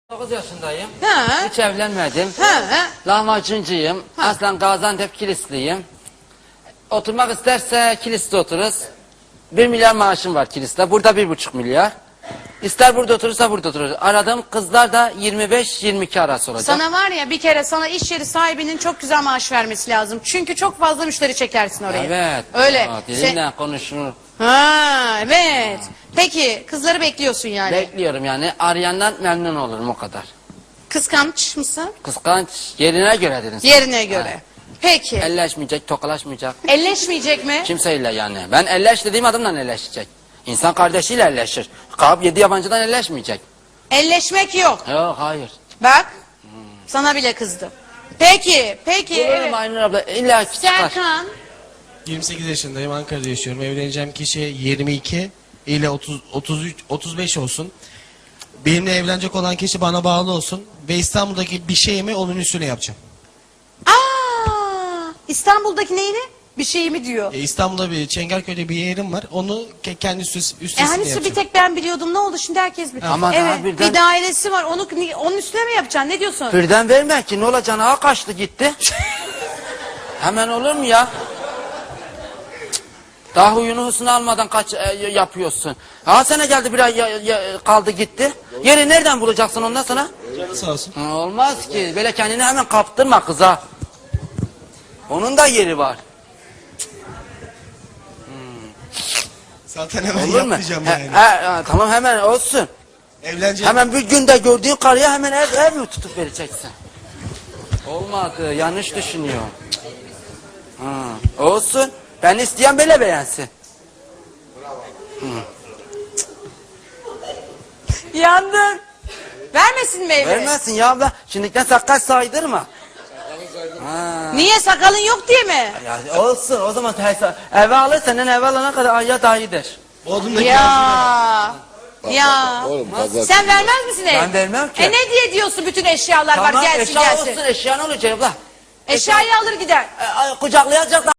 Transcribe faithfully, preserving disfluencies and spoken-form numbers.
dokuz yaşındayım. Ha. Hiç evlenmedim. Ha. Lahmacuncuyum. Ha. Aslen Gaziantep Kilisliyim. Oturmak isterse Kilis'te otururuz. Bir milyar maaşım var Kilis'te. Burada bir buçuk milyar. İster burada oturursa burada otururuz. Aradığım kızlar da yirmi beş yirmi iki arası olacak. Sana var ya bir kere sana iş yeri sahibinin çok güzel maaş vermesi lazım. Çünkü çok fazla müşteri çekersin oraya. Evet. Öyle. Aa, Şey- dilimle konuşur. Ha, evet. Peki kızları bekliyorsun yani. Bekliyorum yani. Arayandan memnun olurum o kadar. Kıskanç mısın? Kıskanç yerine göre dedin sen. Yerine göre. Peki. Elleşmeyecek, tokalaşmayacak. Elleşmeyecek mi? Kimseyle yani. Ben elleş dediğim adamla elleşecek. İnsan kardeşiyle elleşir. Kalkıp yedi yabancıdan elleşmeyecek. Elleşmek yok. Yok hayır. Bak. Sana bile kızdım. Peki. Peki. Bulurum Evet. Aynur abla. İlla ki çıkar. Serkan. yirmi sekiz yaşındayım, Ankara'da yaşıyorum. Evleneceğim kişi yirmi iki ile otuz, otuz üç, otuz beş olsun. Benimle evlenecek olan kişi bana bağlı olsun ve İstanbul'daki bir şeyimi onun üstüne yapacağım. Aa, İstanbul'daki neyini? Bir şey mi diyor? E, İstanbul'da bir Çengelköy'de bir yerim var. Onu ke- kendi üstü, E üstesine hani su yapacağım. bir tek ben biliyordum. Ne oldu şimdi herkes biliyor. Ama daha evet, birden- bir dairesi var. Onu onun üstüne mi yapacaksın? Ne diyorsun? Birden verme ki ne olacağını ha kaçtı gitti. Hemen olur mu ya? Daha huyunu husunu almadan kaç e, yapıyorsun. Ha sene geldi bir ay ya- ya- kaldı gitti. Yeri nereden bulacaksın ondan sonra? Canı sağ olsun. Ha, olmaz ki. Böyle kendini hemen kaptırma kıza. Onun da yeri var. Zaten hemen Olur mu? yapmayacağım He- yani. he- he, tamam hemen olsun. Evleneceğim. Hemen bir günde gördüğün karıya hemen ev, ev mi tutup vereceksin? Olmadı. Yanlış düşünüyor. Ha, olsun. Ben isteyen böyle beğensin. Yandın. Vermesin mi evi? Vermezsin ya abla. Şimdiden sakal saydırma. Ha. Niye sakalın yok diye mi? Ya olsun o zaman teyze eve alır senin eve alana kadar ayya dahidir. Bodrum'daki Ya. Ya. Oğlum fazla Sen vermez misin ev? Ben vermem ki. E ne diye diyorsun bütün eşyalar Tamam var gelsin eşya gelsin. olsun eşya ne olacak abla? Eşyayı alır gider. E, ay, kucaklayacak da